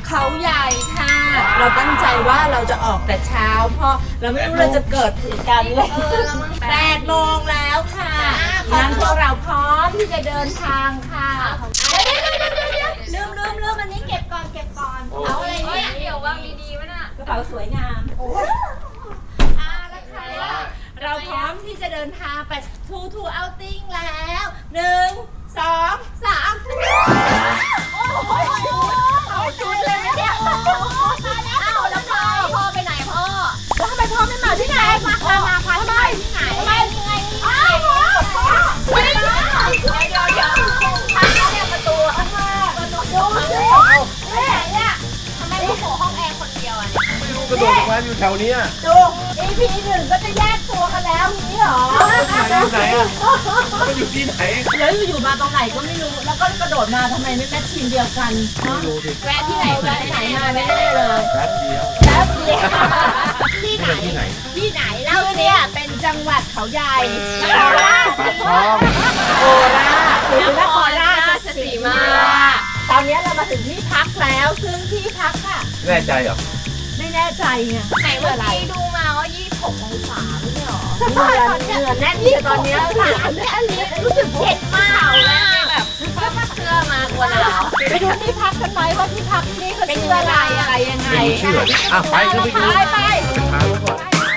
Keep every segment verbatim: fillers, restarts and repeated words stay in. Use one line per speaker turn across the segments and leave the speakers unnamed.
เขาใหญ่ค่ะเราตั้งใจว่าเราจะออกแต่เช้าเพราะเราไม่รู้เราจะเกิดเหตุการณ์อะไรแปดโมงแล้วค่ะงั้นพวกเราพร้อมที่จะเดินทางค่ะลืมลืมลืมอันนี้เก็บก่อนเก็บก่อนเอาอะไรเนี่ย
เดี๋ยววางดีๆวะน่ะ
กระเป๋าสวยงามโอ้ยอ่าแล้วค่ะเราพร้อมที่จะเดินทางไปทูทูเอาติ้งแล้วหนึ่งสองสามโอ้โหเอาชุดเลยเนี่ยอ้าวแล้วพ่อพ่อไปไหนพ่อแล้วทำไมพ่อไม่มาที่ไหนมาพามาพาที่ไหนที่ไหนไม่ยังไงอ้าวพ่อไม่ได้เดี๋ยวเดี๋ยวทางเนี่ยประตูข้างหน้าประตูดูสิแม่เนี่ยทำไมลูกโผล่ห้องแอร์คนเดียวอ่ะ
ไม่รู้กระโดดลงมาอยู่แถวนี้
ดู อี พี หนึ่งก็จะแยกตัวกันแล้วนี้หรอ
อยู่ไหนอ่ะมันอยู่ที่ไหน
แล้วอยู่มาตรงไหนก็ไม่รู้แล้วก็กระโดดมาทำไมไม่แมทชินเดียวกัน
ไม่รู้สิ
แวะที่ไหนแวะไหนมาไม่ได้เลย
แป๊บเดียว
แป๊บเดียวที่ไหน
ที่ไหน
ที่ไหนแล้วเนี่ยเป็นจังหวัดเขาใหญ่นครราชสีมาโคราชหรือนครราชสีมาตอนนี้เรามาถึงที่พักแล้วซึ่งที่พักค่ะ
แน่ใจเหรอ
ไม่แน่ใจไง
ไหนเมื่อกี้ดูมาว่ายี่สิบหกองศาไม่ใช่หรอ
เหงื่อเหงื่อแน่นที่ตอนนี้ค่ะอันนี้รู้สึกเผ็ดมาก
แล้วแบบเสื้อมากลัวหนาว
ไปดูที่พักกันไหมว่าที่พักนี่เขาชื่ออะไรอะไรยังไง
ไม่รู้ชื่ออ่ะไปก็ไปดู
ไปไป
ไปพาไปก่อน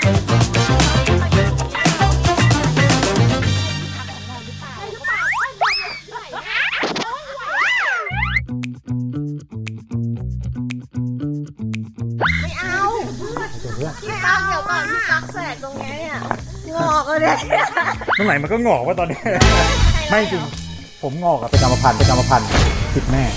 ไม่เอาพี่ตั๊กเดี๋ยวก่อนพี่ตั๊กแสกตรงนี้เนี่ยงอกเลย
ตรงไหนมันก็งอกว่าตอนนี้ ไม่จริงผมงอกอะเป็นกรรมพันธุ์เป็นกรรมพันธุ์ติดแม่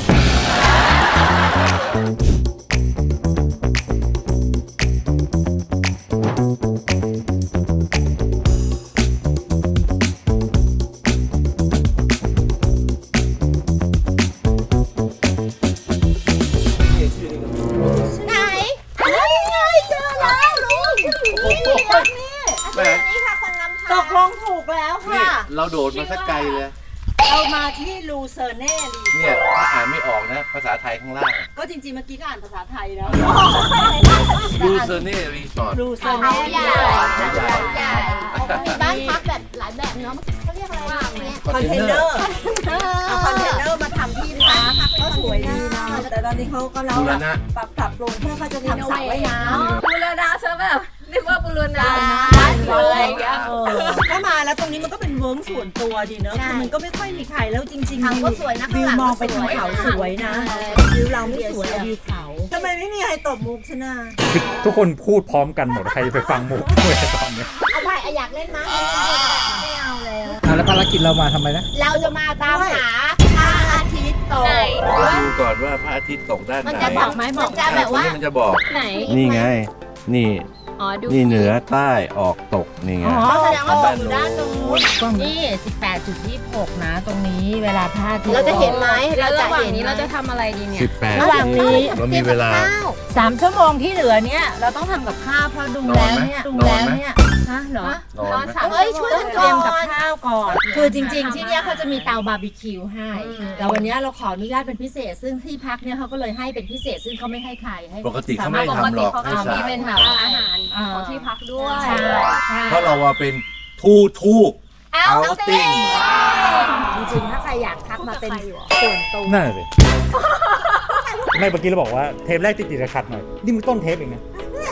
ไหนนี่ไงเจอแล้วลุงนี่รักนี่
แม่
นี่ค่ะคนนำทาง
ตกลงถูกแล้ว
นี่
ค่ะ
เราโดดมาสักไกลเลย
เรามาที่ลูเซอร์เน่รีส
เนี่
อย ร์ท
ถ้าอ่านไม่ออกนะ ภาษาไทยข้างล่าง
ก็จริงๆเมื่อกี้ก็อ่านภาษาไทยแล้ว
ดูเซอร์เน่รีสอร์ท
ลูเซอร์
เขา
เน่
ใหญ่
เขาใหญ่
ใหญ่มีบ้านพักแบบหลายแบบเนาะเขาเรียกอะไรบ้างเนี่ย
คอนเทนเนอร์เอาคอนเทนเนอร์มาทำที่พักก็สวยดีนะแต่ตอนนี้เขากำลัง
บูร
แบบ
ณะ
ปรับปรับปรุงเพื่อเขาจะทำสระว่ายน้
บูรณาใช่แบบนึกว่าบูร
ำ
ณา
อะไรอย่างเงี้ยถ้ามาแล้วตรงนี้มันก็เป็นเวิร์กส่วนตัวดีเนอะคือมันก็ไม่ค่อยมีใครแล้วจริงๆ
ทางก็สวยนะ
วิว
ข้างหลัง
มองไป
ก็
ทาง
สวย
เขาสวยนะวิวเราไม่สวยอะวิวเขาทำไมไม่มีใครตบมุกชนะ
คือทุกคนพูดพร้อมกันหมดใครจะไปฟังมุกด้วยตอนเนี้ย
เอาไปอยากเล่นมั้ยไม่เอาแล้ว
อ่ะแล้วภารกิจเรามาทำไมนะ
เราจะมาตามหาพระอาทิตย์ตก
ดูก่อนว่าพระอาทิตย์ตกด้านไหน
มันจะบอกไหมบอกจะแบบว่า
ตรงนี้มันจะบอก
ไหน
นี่ไง นี่
อ๋อดู
นี่เหนือใต้ออกตก นี่ไง
อ๋อ
แสดงว่าตกอยู่ด้านนู้น
นี่ สิบแปดจุดยี่สิบหก นะ ตรงนี้เวลาพระอาทิตย์
เราจะเห็นไหม
เรา
แล้ว
จะ
ระหว่าง
เห็น
นี้เราจะทำอะไรดีเนี่ย
สิบแปด
ระหว่างนี้
เรามีเวลา
สามชั่วโมงที่เหลือเนี่ยเราต้องทำกับข้าวเพราะดูแล้วเนี่ยดู
นอน
แล้ว
ไหม
เนี่ยฮะเหรอ
นอนไหม
เฮ้ยช่วย
ต้
กั
อน งเต
ก่
รี
อย
มกับ
น
ข้าวก่อน คือจริงๆ ที่เนี่ยเขาจะมีเตาบาร์บีคิวให้ แต่วันนี้เราขออนุญาตเป็นพิเศษ ซึ่งที่พักเนี่ยเขาก็เลยให้เป็นพิเศษ ซึ่งเขาไม่ให้ใครให้
ปกติเขาไม่
ปก
ทำหร
ติ
อก
เขา
ให้
ก็
สา
มี
ว
เป็นแบบอาหารของที่พักด้วย
ใช่ใช่
เพราะเราว่าเป็นทูทู
เอา
เอาติ้ง
จริงๆ ถ้าใครอยากทักมาเป็นส่วนตัว
นั่นเลยไม่เมื่อกี้เราบอกว่าเทปแรกติดติดขัดหน่อยนี่มึงต้นเทปเองนะ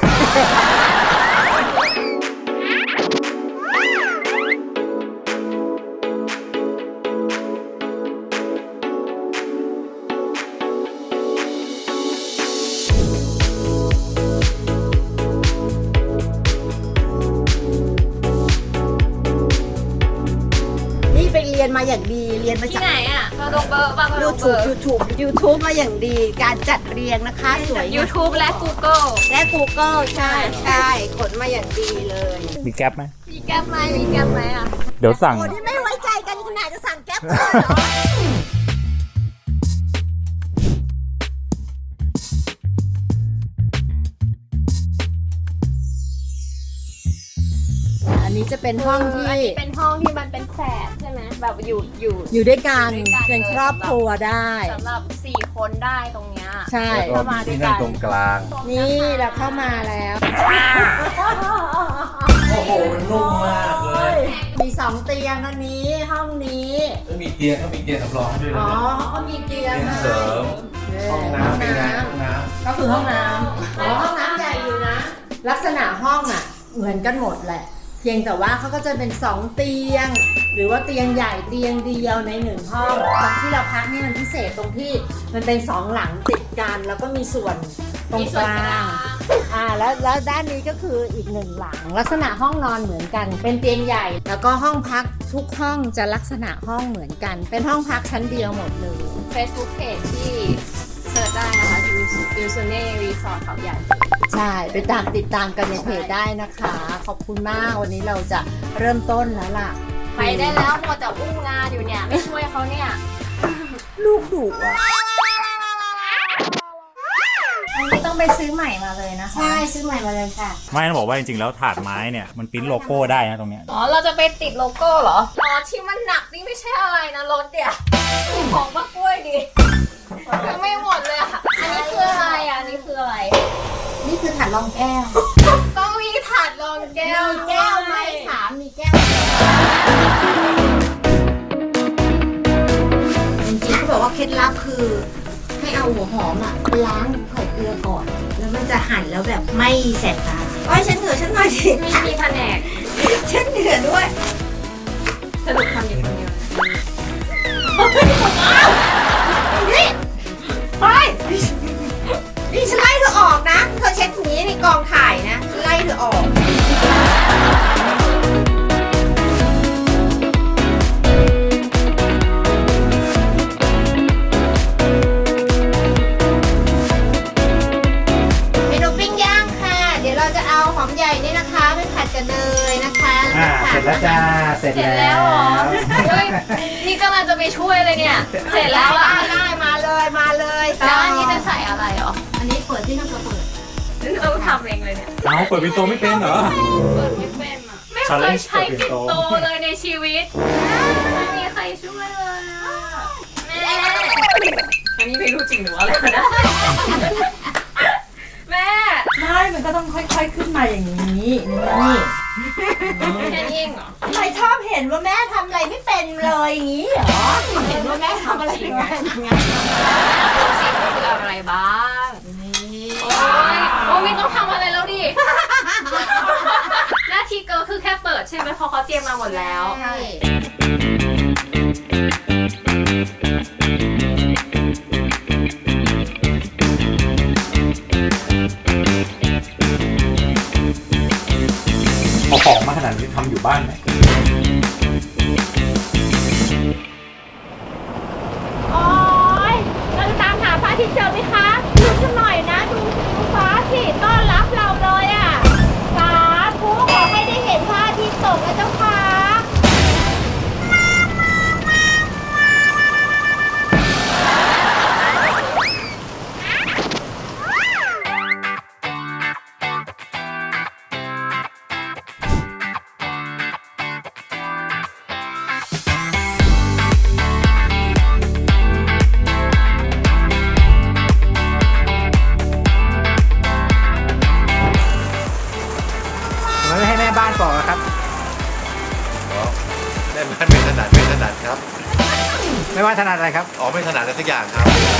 นี่ไปเรียนมาอย่างดี เรียนมา
ที่
จาก
ไหนอ่ะเราลงเบอร์บ้างเราล
ยู
งเบ
ทู
อบ ร์
ยูทูบยูทูบมาอย่างดี การจัดเรียงนะคะสวย
ยูทูบและ Google
และ Google ใช่ใช่ขนมาอย่างดีเลย
มีแก๊ปไหม
มีแก๊ปไหมมีแก๊ปไหมอ่ะ
เดี๋ยวสั่ง
โอ้ที่ไม่ไว้ใจกันขนาดจะสั่งแก๊ปเลยเหรอ อันนี้นี้จะเป็นห้องที่
อันนี้เป็นห้องที่มันเป็นแฝดใช่ไหมแบบอยู่อยู่
อยู่ด้วยกัน
อยู่ด้วยกัน
เป็นครอบครัวได้
สำหรับสี่คนได้ตรงเนี้ย
ใช่
แล้วก็มีที่นั่งตรงกลาง
นี่เราเข้ามาแล้ว
โอ้โห มันนุ่มมากเลย
มีสองเตียงอันนี้ห้องนี้
แล้วมีเตียงก็มีเตียงสำรองให้ด้วย
อ๋
นะ
อเขาก็มีเตียง
เตียง
ให้
เสริม
เ
ห้องน้ำเป็นไงห้องน้
ก็คือห้องน้ำอ๋อห้องน้ำใหญ่อยู่นะ ลักษณะห้องอ่ะ เหมือนกันหมดแหละ เพียงแต่ว่าเขาก็จะเป็นสองเตียง หรือว่าเตียงใหญ่เตียงเดียวในหนึ่งห้องตอนที่เราพักนี่มันพิเศษตรงที่มันเป็นสองหลังติดกันแล้วก็มีส่วนตรงกลาง อ่าแล้วแล้วด้านนี้ก็คืออีกหนึ่งหลัง ลักษณะห้องนอนเหมือนกัน เป็นเตียงใหญ่ แล้วก็ห้องพักทุกห้องจะลักษณะห้องเหมือนกัน เป็นห้องพักชั้นเดียวหมดเลย
Facebook Page ที่เสิร์ชได้นะคะยูซูเน่รีสอร์ทเขาใหญ่
ใช่ไปตามติดตามกันในเพจได้นะคะ ขอบคุณมากวันนี้เราจะเริ่มต้นแล้วล่ะ
ไปได้แล้วมัวแต่อุ้มงานอยู่เนี่ย ไม่ช่วยเขาเนี่ย
ลูกดุอ่ะ
อันนี้ต้องไปซื้อใหม่มาเลยนะคะ
ใช่ซื้อใหม่มาเลยค่ะ
ไม่ต้องบอกว่าจริงๆแล้วถาดไม้เนี่ยมันปริ้นโลโก้ได้นะตรงเนี้ย
อ๋อ เราจะไปติดโลโก้เหรอ อ๋อ ที่มันหนักนี่ไม่ใช่อะไรนะรถเนี่ยของมากล้วยดิยังไม่หมดเลยอ่ะ อันนี้คืออะไรอ่ะ อันนี้คืออะไร
นี่คือถาดรองแก้ว
ต้องมีถาดรองแก้ว
มีแก้วไหมถามมีแก้วจริงๆเขาบอกว่าเคล็ดลับคือให้เอาหัวหอมอ่ะไปล้างใส่เกลือก่อน แล้วมันจะหั่นแล้วแบบไม่แสบตาโอ้ยฉันเหนื่อยฉันหน่อยสิ
มีมีแผนก
ฉันเหนื่อยด้วย
สรุปทำอยู่คนเดียว
นี่เฮ้ยนี่ฉันไล่เธอออกนะ เธอเช็ดอย่างนี้ในกองถ่ายนะฉันไล่เธอออก เมนูปิ้งย่างค่ะ เดี๋ยวเราจะเอาหอมใหญ่นี่นะคะไปผัดกับเนยนะคะ
อ่าเสร็จแล้วจ้าเสร็จ
เสร็จ
แล้
แล้ว
ว
เหรอเฮ้ยนี่กำลังจะไปช่วยเลยเนี่ย เสร็จแล้วอ่ะ
ได้มาเลยมาเลย
แล้วอันนี้จะใส่อะไรเหรอ
อันนี้เปิดที่น้ำกระเปิด
ต้องทำเองเลยเนี่ย
เอาเปิดปินโตไม่เป็นเหรอ
เปิดไม่เป็นอ่ะ ไม่เคยใช้ปิ่นโตเลยในชีวิต ไม่มีใครช่วยเลยอ่ะ แม่ อันนี้ไม่รู้จริงหรืออะไรนะแม่
ไม่มันก็ต้องค่อยๆขึ้นมาอย่างนี้นี่
แค่นี้เองเหรอ
ทำไมชอบเห็นว่าแม่ทำอะไรไม่เป็นเลยอย่างนี้เหรอ เห็นว่าแม่ทำอะไรไม่เป็นไง
คืออะไรบ้าง
นี่
โอ้ยโอ้ยไม่ต้องทำอะไรแล้วดิ หน้าที่เกิร์ลคือแค่เปิดใช่ไหมเพราะเขาเตรียมมาหมดแล้ว
ใช่
เอาของมาขนาดนี้ทำอยู่บ้านไหม
โอ๊ยเราจะตามหาพระอาทิตย์เจอไหมคะดูกันหน่อยนะดูดูฟ้าสิต้อนรับเราเลยอ่ะสาธุขอให้ได้เห็นพระอาทิตย์ตกนะเจ้าค่ะ
ทำไมไม่ให้แม่บ้านก่อนอะครับ
ได้ไหมไม่ถนัดไม่ถนัดครับ
ไม่ว่าถนัดอะไรครับ
อ๋อไม่ถนัดอะไรสักอย่างครับ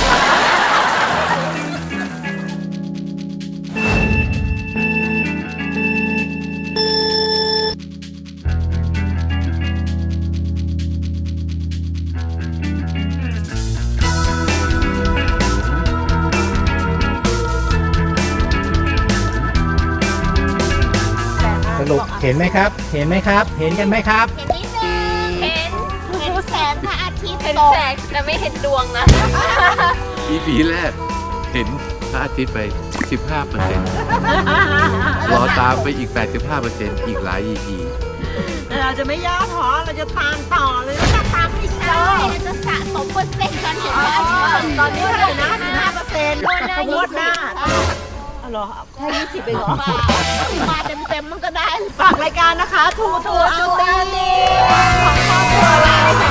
สรุปเห็นไหมครับ เห็นไหมครับ เห็นกันไหมครับ
เห็นนิดนึง
เห็น
เห็นแสงพระอาทิตย์
เห็น
ตก
แสงแต่ไม่เห็นดวงนะ
อีพีแรกเห็นพระอาทิตย์ไป สิบห้าเปอร์เซ็นต์ รอตามไปอีก แปดสิบห้าเปอร์เซ็นต์ อีกหลาย อี พี
แต่เราจะไม่ย่อท้อเราจะตามต่อเลยเราจะตามอีกเลยเราจะสะสมเปอร์เซ็นต์จนถึงว่าตอนนี้เท่าไหร่นะสิบห้าเปอร์เซ็นต์งวดหน้าอ๋อเหรอแค่ยี่สิบเองเหรอมาเต็มเต็มๆมันก็ได้ฝากรายการนะคะทูทูเอาติ้งของครอบครัวเราค่ะ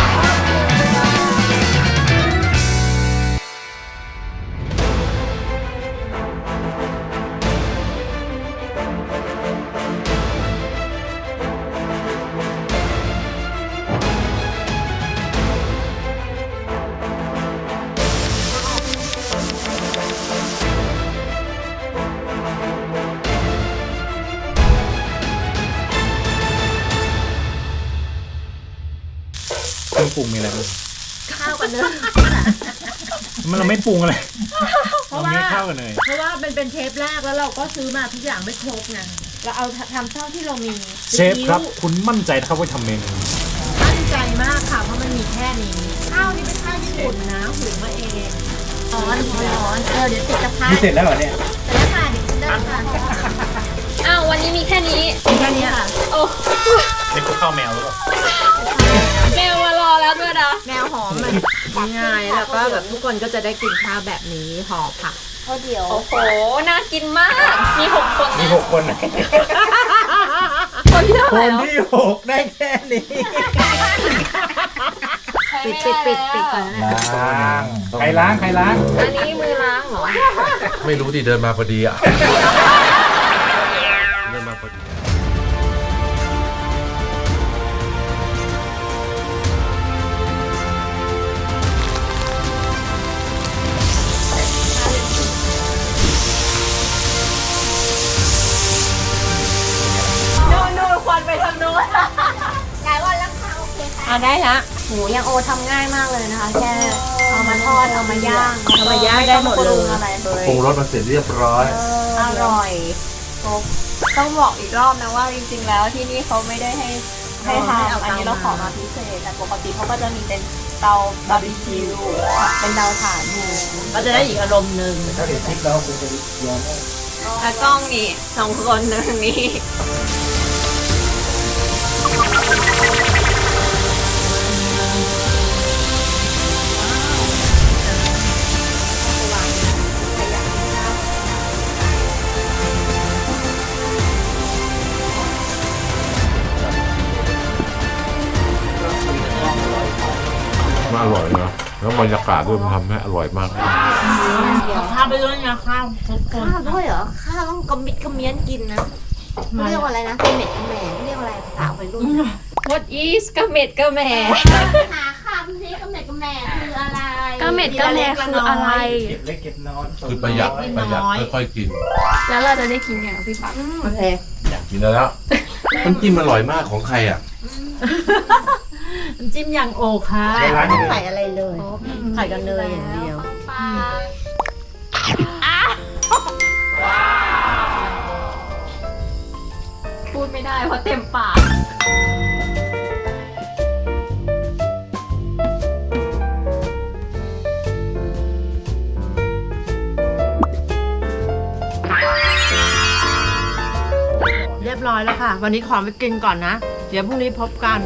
เครื่องปรุงมีอะไรบ้าง
ข้าวกันเนย
มันเราไม่ปรุงอะไร
เพราะ
เรา
ว่า
มีข้าวกันเลย
เพราะว่ามันเป็นเทปแรกแล้วเราก็ซื้อมาทุกอย่างไม่ครบไงเราเอาทำเท่าที่เรามี
เชฟครับ คุณมั่นใจนะครับว่าทำเมนู
มั่นใจมากค่ะเพราะมันมีแค่นี้ข้าวนี่เป็นข้าวญี่ปุ่นนะหุงมาเองร้อนร้อนเออเดี๋ยวติดกระทะ
นี่เสร็จแล้วเหรอเนี่ย
แต่แล้วค่ะเดี๋ยวกินได้ค่ะ
อ้าววันนี้มีแค่นี้
มีแค่นี้ค่ะ
โอ้
นี่คือข้าวแมวหรือเปล่า
แมวมารอแล้วด้วยนะ
แนวหอมมันง่ายแล้วก็แบบทุกคนก็จะได้กินข้าวแบบนี้ห่อผักข้าวเดียว
โอ้โห น่ากินมาก มีหกคน
มี
นะ
หกคนนะ
คนที่เท่า
ค
ไหร่
น
แล้ว
ที่หกได้แค่นี้
ปิดปิดปิดปิดก่อนนะ
ล้างใครล้างใครล้าง
อันนี้มือล้างเหรอ
ไม่รู้ดิเดินมาพอดีอ่ะ เดินมาพอดี
โน่นโน่นควันไปทางโน้น
หลายวันแล้วค่ะโอเคค่ะ
อ่ะได้ละหมูยังโอทำง่ายมากเลยนะคะ แค่เอามาทอด เอามาย่าง
เอามาย่างได้หมดเลย
ไต้องปรุงอะไรเลย
ปรุงรสมาเสร็จเรียบร้อย
อร่อยครบต้องบอกอีกรอบนะว่าจริงๆแล้วที่นี่เขาไม่ได้ให้ให้ทำอันนี้เราขอมาพิเศษแต่ปกติเขาก็จะมีเป็นเตาบาร์บีคิวเป็นเตาถ่านอยู่
ก็จะได้อีกอารมณ์หนึ่ง
ถ้าเห็นคลิปแล้วคุณจะยอม
ตากล้องนี่สองคนหนึ่งนี่
มันอร่อยนะแล้วบรรยากาศด้วยมันทำให้อร่อยมาก
ข้าวไปด้วยนะข้าวทุกคน
ข้าวด้วยเหรอ ข้าวต้องกระมิดกระเมียนกินนะเขาเรียกว่าอะไรนะกระเม็ดกระแหม่เขาเรียกว่าอะไรภาษาวัยรุ่น
What is กระเม็ดกระแหม่
หาคำนี้กระเม็ดกระแหม่คืออะไร
กระเม็ดกระแหม่คืออะไร
เก็บเล็กเก็บน้อย
คือประหยัดประหยัดค่อยๆกิน
แล้วเราจะได้กินอย่างพี่ปั๊บ
โอเค
อยากกินแล้ว น้ำจิ้มอร่อยมากของใครอ่ะ
น้ำจิ้มยังโอค่ะ
ในร้าน
ไม่
นี้
ใส่อะไรเลย
ไข่กับเนยอย่างเดียว
พูดไม่ได้เพราะเต็มปาก
เรียบร้อยแล้วค่ะ วันนี้ขอไปกินก่อนนะ เดี๋ยวพรุ่งนี้พบกัน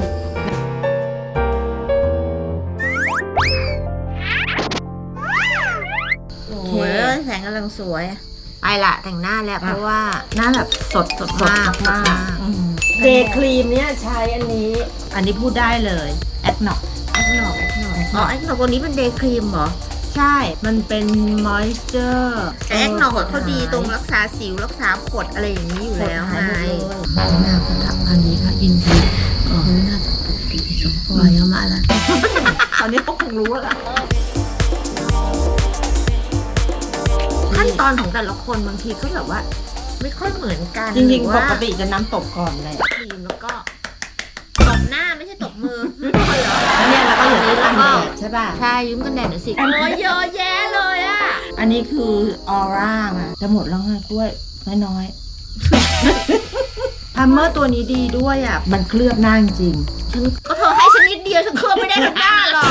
โอ
โอ้
เค
โหแสงกำลังสวย ไปละแต่งหน้าแล้วเพราะว่า
หน้าแบบสดสด
มากมาก
เดย์ครีมเนี่ยใช้อันนี้ อันนี้พูดได้เลยแอดนอก
แอคหนอกแอคหนอกอ๋อแอคหนอกวันนี้เป็นเดย์ครีมเหรอ
ใช่ มันเป็นมอยส์เจอร์
แต่แอคหนอกเขาดีตรงรักษาสิวรักษาผดอะไรอย่างนี้อยู่แล้วไง
หน้าเขาทำอันนี้ค่ะอินทีอ๋อหน้าปกติสมควรมาแล้วตอนนี้เขาคงรู้แล้ว
ขั้นตอนของแต่ละคนบางทีก็แบบว่า ไม่ค่อยเหมือนกัน
จริง
หอ
ๆ ป
ว่าก
ติจะน้ำตกก่อนเลย
ครีมแล้วก็ตบหน้าไม่ใช่ตบมือ
แล้วเนี่ยเราก็อย่าลืมกันแดดใช่ป่ะ
ใช่ยืมกันแดดหน่อยสิโอ้ยเยอะแยะเลยอะ
อันนี้คือออร่ามาจะหมดแล้วไงกล้วยน้อยๆ พัมเมอร์ตัวนี้ดีด้วยอ่ะ มันเคลือบหน้าจริง
ฉันก็เธอให้ฉันนิดเดียวฉันเคลือบไม่ได้ทั้งหน้าหรอก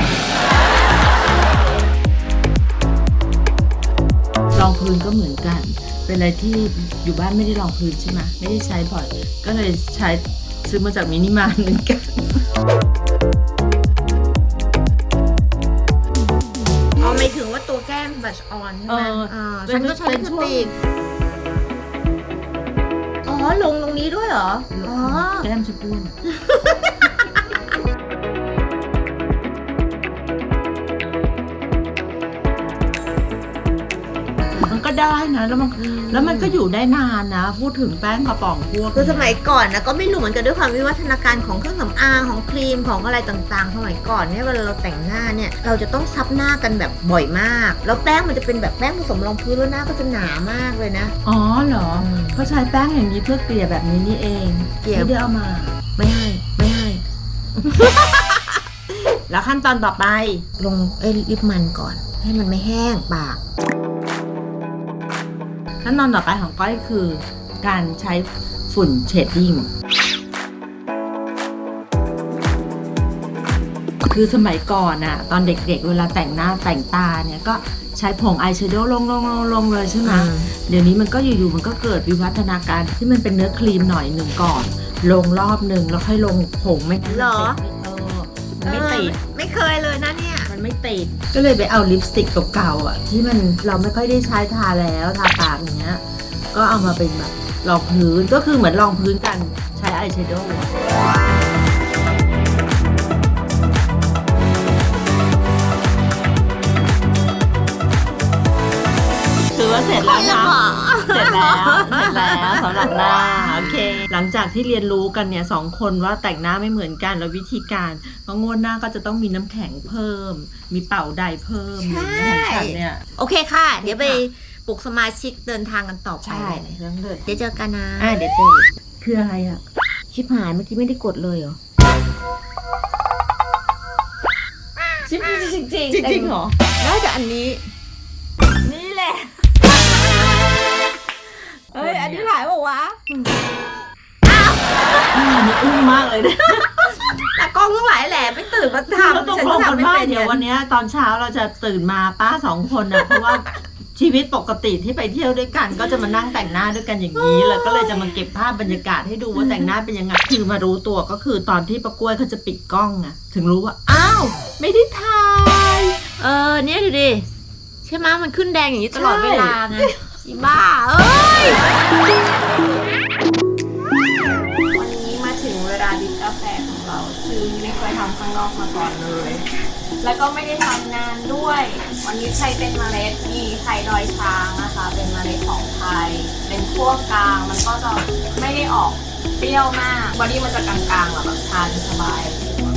รองพื้นก็เหมือนกัน เป็นอะไรที่อยู่บ้านไม่ได้รองพื้นใช่ไหมไม่ได้ใช้บ่อย ก็เลยใช้ซื้อมาจากมินิมาร์ทเหมือนกัน
เอาไม่ถึงว่าตัวแก้มบัชออนใช่
เอ
ไหม
อ
อ่า
เป็น
ฉันก็ใช้
เป็น
ลิป
ช่วง
สติกอ๋อลงตรงนี้ด้วยเหรออ๋อ
แก้มจะอ้วนมันก็ได้นะแล้วมันแล้วมันก็อยู่ได้นานนะ พูดถึงแป้งกระป๋องพวก
คือสมัยก่อนนะก็ไม่รู้เหมือนกันด้วยความวิวัฒนาการของเครื่องสำอางของครีมของอะไรต่างๆ สมัยก่อนเนี่ยเวลาเราแต่งหน้าเนี่ยเราจะต้องซับหน้ากันแบบบ่อยมาก แล้วแป้งมันจะเป็นแบบแป้งผสมรองพื้นแล้วหน้าก็จะหนามากเลยนะ
อ๋อเหรอเขาใช้แป้งอย่างนี้เพื่อเกลี่ยแบบนี้นี่เอง
เกลี่ย
ไม่ได้เอามา
ไม่ให้ไม่ให้
แล้วขั้นตอนต่อไป
ลงเอ้ยลิปมันก่อน ให้มันไม่แห้งปาก
ขั้นตอนต่อไปของก้อยคือการใช้ฝุ่นเชดดิ้งคือสมัยก่อนอะตอนเด็กๆเวลาแต่งหน้าแต่งตาเนี่ยก็ใช้ผงอายแชโดว์ลงลงลงลงเลยใช่ไหม
อืม
เดี๋ยวนี้มันก็อยู่ๆมันก็เกิดวิวัฒนาการที่มันเป็นเนื้อครีมหน่อยหนึ่งก่อน ลงรอบหนึ่งแล้วค่อยลงผงไม่งั้น
เหรอ
มันไม่ติด
เออไม่เคยเลยนะเนี่ย
มันไม่ติด ก็เลยไปเอาลิปสติกเก่าๆอ่ะที่มันเราไม่ค่อยได้ใช้ทาแล้วทาปากอย่างเงี้ย ก็เอามาเป็นแบบรองพื้นก็คือเหมือนรองพื้นกันใช้อายแชโดว์ถือว่าเสร็จแล้วนะเสร็จแล้วเสร็จแล้วสำหรับหน้าโอเค หลังจากที่เรียนรู้กันเนี่ยสองคนว่าแต่งหน้าไม่เหมือนกันแล้ววิธีการเพราะงวดหน้าก็จะต้องมีน้ำแข็งเพิ่ม มีเป่าใดเพิ่มอย่างเงี้ยของฉันเนี่ย
โอเคค่ะ เดี๋ยวไปปลุกสมาชิกเดินทางกันต่อไป
ใช่เรื่องเลย
เดี๋ยวเจอกันนะ
อ่ะเดี๋ยวเจอคืออะไรอ่ะ
ชิบหายเมื่อกี้ไม่ได้กดเลยเหรอ
จริงจริงจริง
จริงๆเหรอ น่าจะอันนี้
นี่แหละ
เฮ้ย อันนี้ถ่ายบอกว่า
อันนี้อึ้งมากเลยนะ
แต่กล้องทั้งหลายแหละไม่ตื่นมา
เรา
ทำ
ต้อง
ฉัน
ล
ก็
งกั
ทำ
น
ไม่
ว่า
เป็น
เดี๋ยววันเนี้ยตอนเช้าเราจะตื่นมาป้าสองคนนะเพราะว่าชีวิตปกติที่ไปเที่ยวด้วยกันก็จะมานั่งแต่งหน้าด้วยกันอย่างนี้แล้วก็เลยจะมาเก็บภาพบรรยากาศให้ดูว่าแต่งหน้าเป็นยังไงคือมารู้ตัวก็คือตอนที่ประกล้วยเขาจะปิดกล้องอะถึงรู้ว่าอ้าวไม่ได้ถ่าย
เออ เนี่ยดูดิ ใช่ไหมมันขึ้นแดงอย่างนี้ตลอด
ใช่
เวลาไงอีบ้า เอ้ย
วันนี้มาถึงเวลาดิบกาแฟของเราซึ่งไม่เคยทำข้างนอกมาก่อนเลย แล้วก็ไม่ได้ทำนานด้วย วันนี้ใช้เป็นเมล็ดมีไทยดอยช้างนะคะ เป็นเมล็ดของไทย เป็นคั่วกลาง มันก็จะไม่ได้ออกเปรี้ยวมากบอดี้มันจะกลางๆอะแบบทานสบาย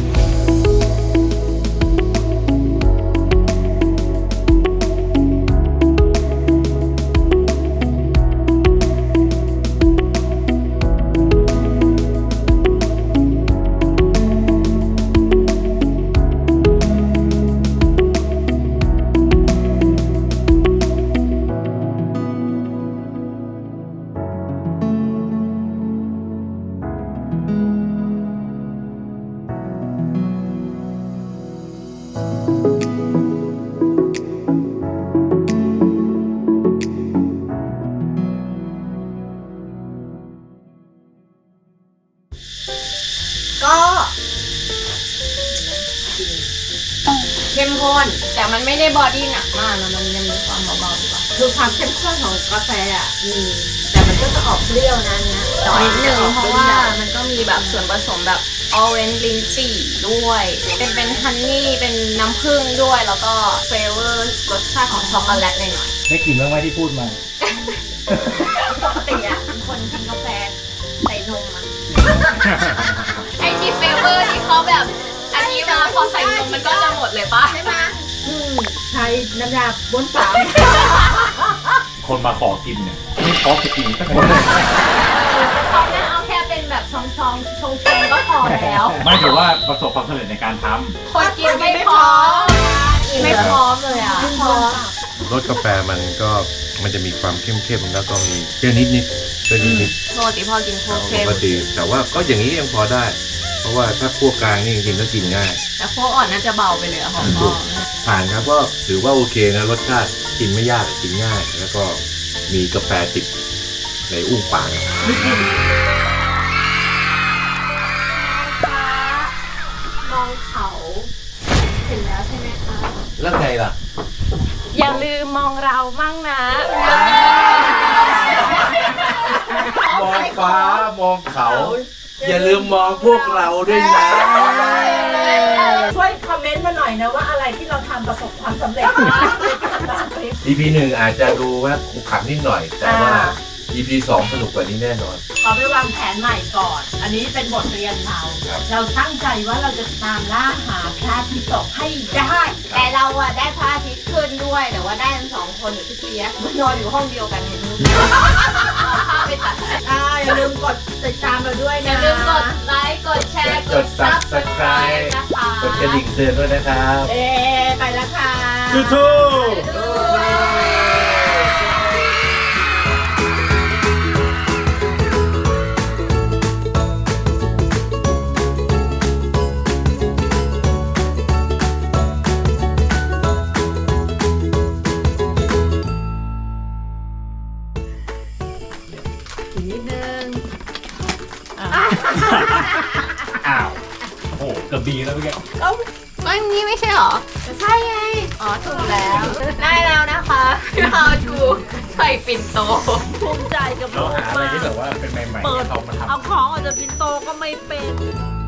ก็เข้มข้นแต่มันไม่ได้บอดี้หนักมากนะมันยังมีความเบาๆอยู่อะคือความเข้มข้นของกาแฟอ่ะมีแต่มันก็จะออกเปรี้ยวนะเนี่ยนิดนึงเพราะว่ามันก็มีแบบส่วนผสมแบบออเรนจ์ลินจี่ด้วย เป็นเป็นฮันนี่เป็นน้ำผึ้งด้วย แล้วก็เฟเวอร์รสชาติของช็อกโกแลตหน่อย
ได้กลิ่นบ้างไหมที่พูดมา
ปกติอะคนกินกาแฟใส่นมอะ ไอที่เฟเวอร์ที่เขาแบบอันนี้มาพอใส่นมมันก็จะหมดเลยปะใช่ไหม
ใช้น้ำยาบ้วนปาก
คนมาขอกินเนี่ยไม่ขอจะกินสักคน
เขาเนี่ยเอาแค่เป็นแบบซองๆชงชงๆก็พอแล้ว
ไม่ถือว่าประสบความสำเร็จในการท
คนกินไม่พร้อมไม่พร้อมเลยอ่ะพร้อม
รสกาแฟมันก็มันจะมีความเข้มๆแล้วก็มีเปรี้ยวนิดๆเปรี้ยวนิด
ปกติพอกินโค
ๆ
เค็
ป
ม
กติแต่ว่าก็อย่างนี้ยังพอได้ เพราะว่าถ้าคั่วกลางนี่จริงๆก็กินง่าย
แต่โคอ่อนน่าจะเบาไปเลยอะหอม
ผ่านครับก็ถือว่าโอเคนะรสชาติกินไม่ยากกินง่าย แล้วก็มีกาแฟติดในอุ้งปาก
มองเขาเสร็จแล้วใช่ไหมคะ
แล้วไงล่ะ
อย่าลืมมองเรามั่งนะ
มองฟ้ามองเขา อย่าลืมมองพวกเราด้วยนะ
ช่วยคอมเมนต์มาหน่อยนะว่าอะไรที่เราทำประสบความสำเร็จบ้างในการวางคลิป
อี พี หนึ่งอาจจะดูว่าขรุขระนิดหน่อย แต่ว่า อี พี สองสนุกกว่านี้แน่นอน
ขอไปวางแผนใหม่ก่อน อันนี้เป็นบทเรียนเรา
ครับ
เราตั้งใจว่าเราจะตามล่าหาพระอาทิตย์ตกให้ได้
แต่เราอะได้พระอาทิตย์ขึ้นด้วย แต่ว่าได้ทั้งสองคนอยู่ที่เปียกนอนอยู่ห้องเดียวกันเห็นไหมพาไปตัด
อ่าอย่าลืมกดติดตามเราด้วย
อ
นะ
ย่าลืมกดไลค์กดแชร์
กด Subscribe
นะคะ
กดกระดิ่งเตือนด้วยนะครับ
เอ๊ไปแล้วค่ะ
สู้
อีกนิดนึง
อ้าว โอ้โหเกือบดีแล้วเมื่อกี้
อันนี้ไม่ใช่หรอ ใช่ไง อ๋อ ถูกแล้ว ได้แล้วนะคะ How to ใส่ปิ่นโต
ภูมิใจกับ
เรา
ลูก
หาอะไร
มาก
ที่แบบว่าเป็นใหม่ๆ
เปิด
ให้เขามาทำ
เอาของออกจากปินโตก็ไม่เป็น